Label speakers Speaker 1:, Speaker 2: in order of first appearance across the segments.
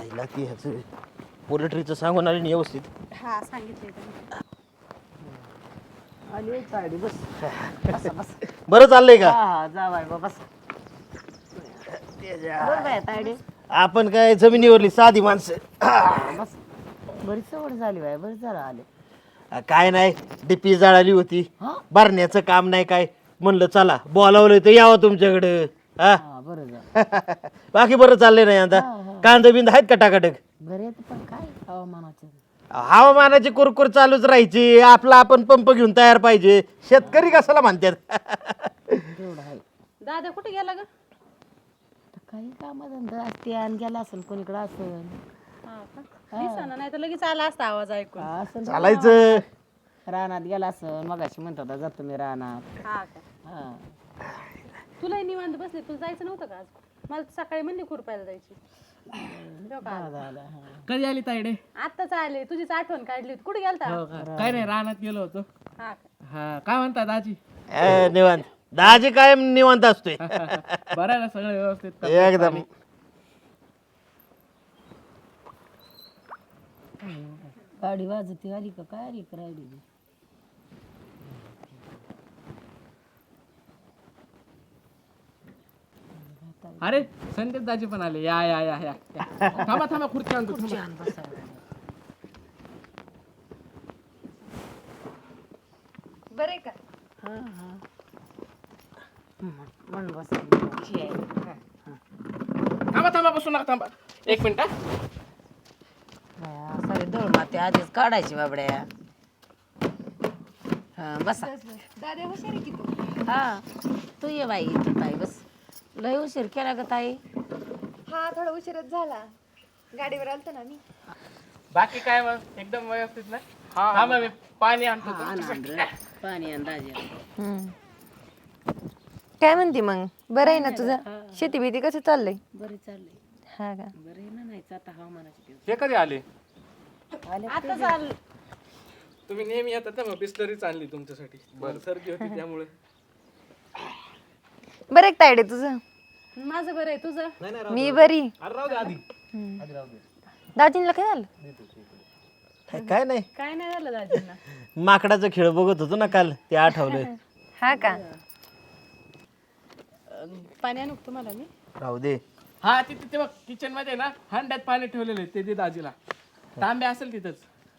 Speaker 1: आईला ती ह्याचं पोल्ट्रीचं सांगून आली नाही व्यवस्थित.
Speaker 2: हा सांगितले त्यांनी.
Speaker 3: आली तायडे बस बस बस
Speaker 1: बरं चाललंय का?
Speaker 3: हा जा बाय बस बस बाय तायडे
Speaker 1: आपण काय जमिनीवरली साधी माणसं.
Speaker 3: बस बरीच सवड झाली बाय बरं झालं आले
Speaker 1: काय नाही डीपी जळाली होती,
Speaker 3: हा
Speaker 1: भरण्याचं काम नाही काय, म्हणलं चला बोलावलं तर यावं तुमच्याकडं. हा
Speaker 3: हा बरं झालं
Speaker 1: बाकी बरं चाललंय नाही आता. कांदा बिंद आहेत का टाकाटक?
Speaker 3: बरे पण काय हवामानाचं
Speaker 1: हवामानाची कुरकुर चालूच राहायची. आपला आपण पंप घेऊन तयार पाहिजे. शेतकरी कशाला म्हणतात?
Speaker 3: तेवढं आहे
Speaker 2: दादा कुठे गेला ग?
Speaker 3: तर काही कामधंदा असते आणि गेला असेल कोणीकडे असेल
Speaker 2: हा का? दिसेना, नाही तर लगेच आला असता आवाज ऐकून.
Speaker 3: असेल
Speaker 1: चालायचं.
Speaker 3: रानात गेला असेल मगाशी म्हणत होता जातो मी रानात
Speaker 2: हा का?
Speaker 3: हा
Speaker 2: तुलाही निवांत बसले, तुला जायचं नव्हतं का आज? मला तर सकाळी म्हणली खुरपायला जायची. ठेव का आला?
Speaker 3: झालं हा
Speaker 4: कधी आली तायडे?
Speaker 2: आत्ताच आले, तुझीच आठवण काढली होती. कुठे गेलता?
Speaker 4: हो का? काय नाही रानात गेलो होतो.
Speaker 2: हा का?
Speaker 4: हा काय म्हणतात आजी?
Speaker 1: निवांत. दाजी कायम निवांत असतोय.
Speaker 4: बरं आहे ना सगळं व्यवस्थित?
Speaker 1: एकदम.
Speaker 3: गाडी वाजती आली का काय आली का राहिली
Speaker 4: अरे संदेश दाजी पण आले. या या या या या. थांबा थांबा खुर्ची आणतो थांबा.
Speaker 2: बरे का?
Speaker 3: हा हा मन बस
Speaker 4: थांबा थांबा बसू नका थांबा एक मिनिट हा.
Speaker 3: सारे दळ माते आधीच काढायची बाबड्या हा बसा
Speaker 2: दादा हुशार आहे की तू?
Speaker 3: हा तू ये बाई इथं ताई बस लय उशीर केला का ताई
Speaker 5: हा थोडा उशीरच झाला, गाडीवर आलतो ना मी.
Speaker 4: बाकी काय मग एकदम व्यवस्थित ना? थांबा मी पाणी आणतो तुमच्यासाठी.
Speaker 3: पाणी अंदाजे
Speaker 5: काय म्हणते मग, बरं आहे ना तुझं? शेती बिती कसं चाललंय?
Speaker 3: बरे चाललंय
Speaker 5: हा का?
Speaker 3: बरे ना नाही आता हवामानाचे दिवस
Speaker 4: हे कधी आले?
Speaker 3: आले
Speaker 2: आत्ताच आलं.
Speaker 4: तुम्ही नेहमी येतात ना, मग बिस्लरीच आणली तुमच्यासाठी. बरं सर्दी होती त्यामुळे.
Speaker 5: बरं एक तायडे तुझं?
Speaker 2: माझं बरं आहे, तुझं?
Speaker 5: मी बरी.
Speaker 4: अरे राहू दे आधी.
Speaker 5: दाजींला काय झालं?
Speaker 1: काय नाही,
Speaker 2: काय नाही झालं दाजींना.
Speaker 1: माकडाचा खेळ बघत होतो ना काल, ते आठवलं.
Speaker 5: हा का?
Speaker 2: पाणी आणू का तुम्हाला मी?
Speaker 1: राहू दे.
Speaker 4: हा तिथे ते बघ किचन मध्ये ना हंड्यात पाणी ठेवलेलं ते दे दाजीला. तांबे असेल तिथंच.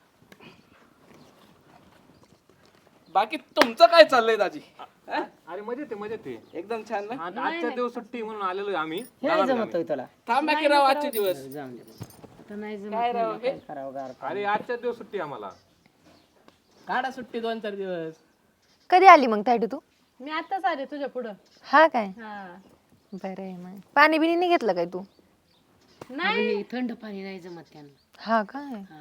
Speaker 4: बाकी तुमचं काय चाललंय दाजी?
Speaker 6: अरे मजेत आहे मजेत आहे.
Speaker 4: एकदम छान ना?
Speaker 6: आजच्या दिवस सुट्टी म्हणून आलेलो आम्ही.
Speaker 3: हे जमतोय तुला
Speaker 4: थांबा की राव आजचे दिवस.
Speaker 3: जाऊन दे मग. आता नाही जमत
Speaker 4: काय राव
Speaker 3: म्हणलं, काय करावं गार
Speaker 6: अरे आजच्या दिवस सुट्टी आम्हाला.
Speaker 4: काढा सुट्टी 2-4 दिवस.
Speaker 5: कधी आली मग तायडे तू?
Speaker 2: मी आत्ताच आले तुझ्या पुढं.
Speaker 5: हा काय?
Speaker 2: हा.
Speaker 5: बरं आहे मग. पाणी बिणी नाही घेतलं काय तू?
Speaker 2: नाही
Speaker 3: हे थंड पाणी नाही जमत त्यांना
Speaker 5: हा काय?
Speaker 3: हा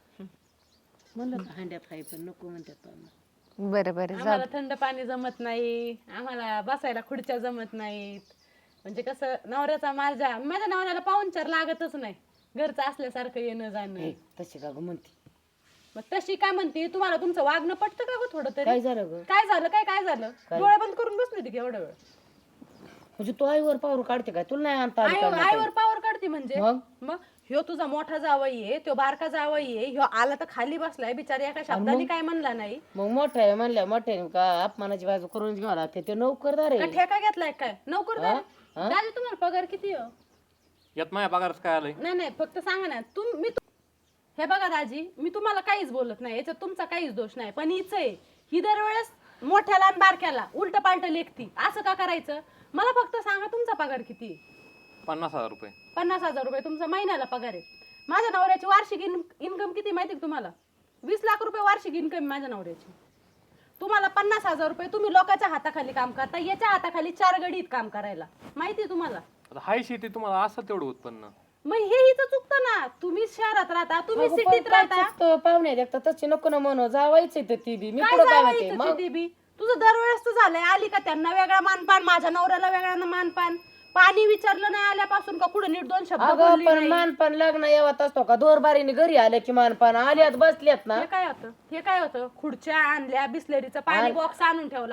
Speaker 3: म्हणलं का हंड्यात आहे पण नको म्हणतात पाहुणं.
Speaker 5: बरं बरं जा.
Speaker 2: आम्हाला थंड पाणी जमत नाही, आम्हाला बसायला खुर्च्या जमत नाहीत. म्हणजे कसं नवऱ्याचा माझ्या नवऱ्याला पाहुणचार लागतच नाही, घरचं असल्यासारखं येणं जाणं.
Speaker 3: तशी का गं म्हणते
Speaker 2: मग तशी काय म्हणते, तुम्हाला तुमचं वागणं पटतं का गं थोडं तरी?
Speaker 3: काय झालं ग
Speaker 2: काय झालं काय झालं? डोळे बंद करून बसली होती की एवढा वेळ?
Speaker 3: म्हणजे तू आईवर पावर काढते काय तुला नाही आणता आली का
Speaker 2: आईवर पावर काढते म्हणजे?
Speaker 3: मग?
Speaker 2: मग ह्यो तुझा मोठा जावई आहे, तो बारका जावई आहे, ह्यो आला तर खाली बसलाय बिचारी, एका शब्दाने काय म्हणला नाही.
Speaker 3: मग मोठं आहे म्हणल्या मोठ्याने का अपमानाची बाजू करून घ्यावं लागते ते नोकरदार
Speaker 2: का
Speaker 3: आहे
Speaker 2: ठेका घेतलाय काय नोकरदार? दादा तुम्हाला पगार किती हो?
Speaker 6: यात माझ्या पगारच काय आलंय?
Speaker 2: नाही फक्त सांगा ना हे बघा दाजी, मी तुम्हाला काहीच बोलत नाही, याच्यात तुमचा काहीच दोष नाही, पण हिच आहे ही दरवेळेस मोठ्याला आणि बारक्याला उलट पालट लेखती. असं का करायचं? मला फक्त सांगा तुमचा पगार किती आहे?
Speaker 6: 50,000 रुपये.
Speaker 2: 50,000 रुपये तुमचा महिन्याला पगार आहे. माझ्या नवऱ्याची वार्षिक इन्कम किती माहिती का तुम्हाला? 20 लाख रुपये वार्षिक इन्कम माझ्या नवऱ्याची. तुम्हाला 50,000 रुपये, तुम्ही लोकांच्या हाताखाली काम करता, याच्या हाताखाली 4 गडीत काम करायला, माहिती तुम्हाला?
Speaker 6: आता हाय शेती तुम्हाला असं तेवढं उत्पन्न.
Speaker 2: मग हे हिचं चुकतं ना. तुम्ही शहरात राहता, तुम्ही सिटीत राहता.
Speaker 3: पाहुणे देखता तशी नको ना म्हणू जावायचं तर ती बी मी
Speaker 2: काय
Speaker 3: पुढं काय
Speaker 2: जावई
Speaker 3: म्हणते
Speaker 2: इथं
Speaker 3: मग
Speaker 2: तिथे बी? तुझं दरवेळेस तर झालंय, आली का त्यांना वेगळा मानपान, माझ्या नवऱ्याला वेगळा मानपान. पाणी विचारलं नाही आल्यापासून का कुठं नीट 2 शब्द
Speaker 3: अगं
Speaker 2: बोलली
Speaker 3: पण
Speaker 2: नाही.
Speaker 3: मानपान लग्न येवत असतो का दोरबारीने घरी आले की मानपान आल्यात बसल्यात ना
Speaker 2: हे काय होतं खुर्च्या आणल्या, बिस्लरीचं पाणी बॉक्स आणून ठेवला का?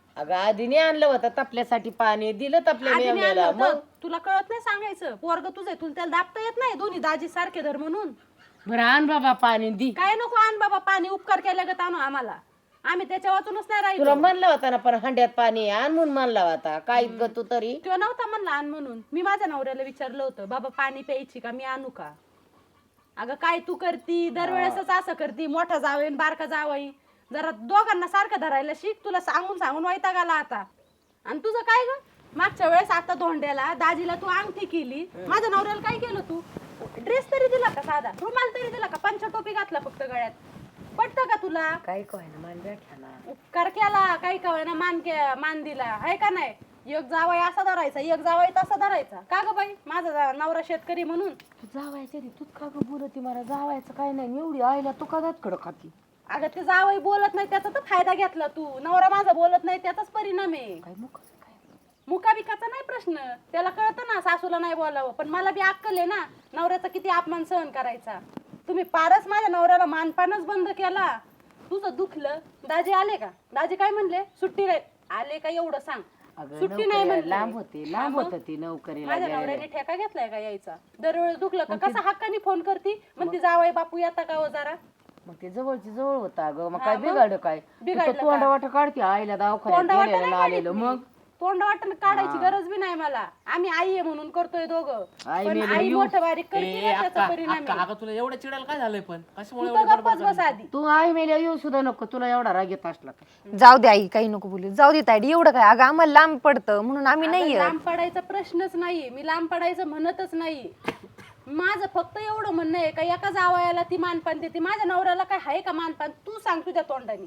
Speaker 3: अगं आधीने आणलं होतं तपल्यासाठी पाणी दिलं तपल्या
Speaker 2: आधी मी आणलं
Speaker 3: मेवण्याला
Speaker 2: होतं.
Speaker 3: मग
Speaker 2: तुला कळत नाही सांगायचं पोरग तुझं आहे, तुला त्याला दाबता येत नाही दोन्ही दाजी सारखे धर म्हणून.
Speaker 3: बरं आण बाबा पाणी दी.
Speaker 2: काय नको आण बाबा पाणी, उपकार केल्या गत आणू आम्हाला, आम्ही त्याच्या वाचूनच नाही
Speaker 3: तुला
Speaker 2: राहिलो.
Speaker 3: म्हणलं होता ना पण हंड्यात पाणी आण म्हणून म्हणला होता काय ग तू तरी.
Speaker 2: तो नव्हता म्हणला आण म्हणून. मी माझ्या नवऱ्याला विचारलं होतं बाबा पाणी प्यायची का, मी आणू का. अगं काय तू करती दरवेळेसच असं करती, मोठा जावई आणि बारका जावई, जरा दोघांना सारखं धरायला शिक. तुला सांगून सांगून वैताग आला आता. आणि तुझं काय ग, मागच्या वेळेस आता धोंड्याला दाजीला तू अंगठी केली, माझ्या नवऱ्याला काय केलं तू, ड्रेस तरी दिला का, साधा रुमाल तरी दिला का, पंचा टोपी घातला फक्त गळ्यात, पटतं का तुला.
Speaker 3: काय काय ना मान बैठा ना.
Speaker 2: उपकार केला काही कवाय ना, मान दिला आहे का नाही. एक जावई असा धरायचा, एक जावई तसा धरायचा का ग बाई. माझा नवरा शेतकरी म्हणून
Speaker 3: तू जावायचं रे तूच का ग बोलती मला. जावायचं काय नाही एवढी आईला तू का दात कडक खाती.
Speaker 2: अगं ते जावई बोलत नाही त्याचा तर फायदा घेतला तू, नवरा माझा बोलत नाही त्याचाच परिणाम आहे.
Speaker 3: काय मुख काय
Speaker 2: मुकाबिकाचा नाही प्रश्न, त्याला कळतं ना सासूला नाही बोलावं, पण मला बी अक्कल आहे ना नवऱ्याचा किती अपमान सहन करायचा. तुम्ही पारच माझ्या नवऱ्याला मानपानच बंद केला. तुझं दुखलं, दाजी आले का, दाजी काय म्हणले, सुट्टी नाही आले का एवढं सांग.
Speaker 3: अगं
Speaker 2: सुट्टी नाही
Speaker 3: नोकरीला
Speaker 2: म्हणले.
Speaker 3: लांब होते लांब होत ती नोकरीला
Speaker 2: माझ्या
Speaker 3: गेलेली.
Speaker 2: नवऱ्याने ठेका घेतलाय का यायचा. दरवेळेस दुखलं का कसा हक्काने फोन करती, म्हणते जावई बापू येता का हो जरा.
Speaker 3: मग ते जवळची जवळ होता अगं मग काय बिघाड काय
Speaker 2: बिघडलं
Speaker 3: तू तोंड वाट काढते आईला दवाखान्यात गेलेलं आलेलं मग.
Speaker 2: तोंड वाटण काढायची गरज बी नाही मला, आम्ही आई आहे म्हणून करतोय दोघं.
Speaker 3: आई
Speaker 2: पण
Speaker 3: मेली
Speaker 2: आई
Speaker 3: येऊ.
Speaker 2: मोठं बारीक करते
Speaker 4: ए,
Speaker 2: ना, त्याचा
Speaker 4: अक्का,
Speaker 2: परिणाम
Speaker 4: अक्का,
Speaker 2: आहे.
Speaker 4: अगं तुला एवढं चिडायला काय झालंय पण
Speaker 2: तू
Speaker 4: कशामुळे
Speaker 2: तर
Speaker 4: एवढं
Speaker 2: गप्पच बस आधी.
Speaker 3: तू आई मेल्या येऊ सुद्धा नको तुला एवढा राग येत असला का.
Speaker 5: जाऊ दे आई, काही नको बोलू, जाऊ दे तायडी, एवढं काय अगं आम्हाला लांब पडतं म्हणून आम्ही
Speaker 2: अगं,
Speaker 5: नाही
Speaker 2: लांब पडायचा प्रश्नच नाही, मी लांब पडायचं म्हणतच नाही. माझं फक्त एवढं म्हणणं आहे का एका जावयाला ती मानपान देते, माझ्या नवऱ्याला काय आहे का मानपान. तू सांग तुझ्या तोंडाने,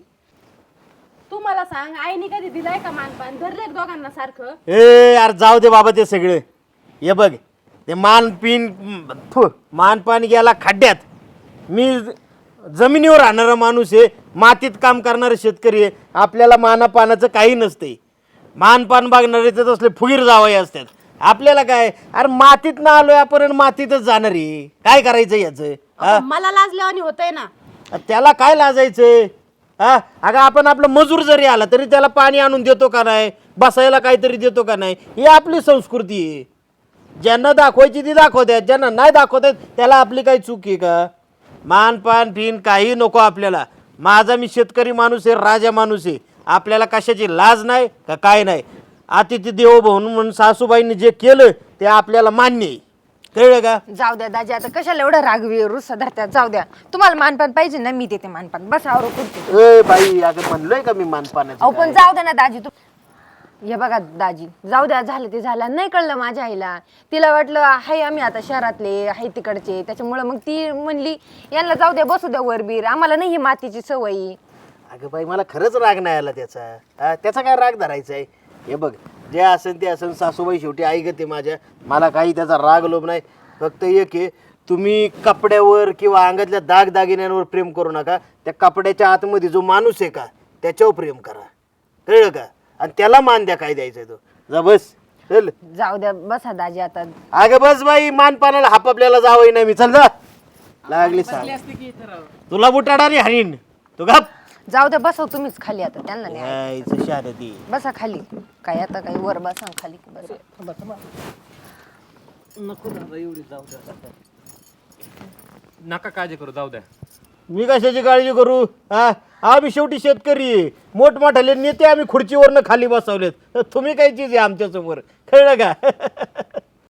Speaker 2: तू मला सांग आईने कधी दिलाय का मानपान, धरले दोघांना सारखं.
Speaker 1: ए यार जाऊ दे बाबा ते सगळे. हे बघ ते मानपान गेला खड्ड्यात. मी जमिनीवर राहणारा माणूस आहे, मातीत काम करणारा शेतकरी आहे. आपल्याला मानापानाचं काही नसते. मानपान बघणारे तर असले फुगीर जावई असतात. आपल्याला काय, अरे मातीत ना आलोय आपण, मातीतच जाणार आहे. काय करायचं याचं हा?
Speaker 2: मला लाजल्यावानी होतंय ना.
Speaker 1: त्याला काय लाजायचंय हा. अगं आपण आपलं मजूर जरी आला तरी त्याला पाणी आणून देतो का नाही, बसायला काहीतरी देतो का नाही, ही आपली संस्कृती आहे. ज्यांना दाखवायची ती दाखवतात, ज्यांना नाही दाखवतात त्याला आपली काही चूक आहे का. मानपान फिन काही नको आपल्याला. माझा मी शेतकरी माणूस आहे, राजा माणूस आहे. आपल्याला कशाची लाज नाही का काय नाही. अतिथी देवो भव म्हणून सासूबाईंनी जे केलं ते आपल्याला मान्य आहे. कळलं का.
Speaker 5: जाऊ द्या दाजी, आता कशाला एवढं रागवी रुसा धरत्यात. जाऊ द्या, तुम्हाला मानपान पाहिजे ना, मी देते मानपान, बस आवर कुठे.
Speaker 1: ए बाई अगं म्हणलोय का मी मानपानाचं
Speaker 5: अहो पण
Speaker 1: काय?
Speaker 5: जाऊ द्या ना दाजी. तू हे बघा दाजी, जाऊ द्या, झालं ते झालं. नाही कळलं माझ्या आईला, तिला वाटलं हाय आम्ही आता शहरातले हाय तिकडचे, त्याच्यामुळं मग ती म्हणली यांना जाऊ द्या, बसू द्या वरबीर, आम्हाला नाही ही मातीची सवयी.
Speaker 1: अगं बाई मला खरंच राग नाही आला त्याचा. हा, त्याचा काय राग धरायचा आहे. हे बघ जे असेल ते असेल, सासूबाई शेवटी आई गते माझ्या, मला काही त्याचा राग लोभ नाही. फक्त एक आहे, तुम्ही कपड्यावर किंवा अंगातल्या दागदागिन्यांवर प्रेम करू नका. त्या कपड्याच्या आतमध्ये जो माणूस आहे का त्याच्यावर प्रेम करा. कळलं का. आणि त्याला मान द्या, काय द्यायचं तो. जा बस चल.
Speaker 5: जाऊ द्या, बसा दाजी आता.
Speaker 1: अगं बस बाई, मानपानाला हाप आपल्याला जावई नाही मी. चल जा. लागली सांग
Speaker 4: असते की इथं राव.
Speaker 1: तुला बुटाडारी हरीण तू गप.
Speaker 5: जाऊ द्या, बसव तुम्हीच खाली आता, त्यांना नाही.
Speaker 1: यायचं शारदी.
Speaker 5: बसा खाली, काय आता काही वर बसा खाली बस.
Speaker 1: नको दादा एवढी जाऊ द्या.
Speaker 6: नका काळजी करू, जाऊ द्या.
Speaker 1: मी कशाची काळजी करू हा. आम्ही शेवटी शेतकरी आहे. मोठमोठाले नेते आम्ही खुर्चीवरनं खाली बसवलेत. तुम्ही काय चीज आहे आमच्या समोर. कळलं का.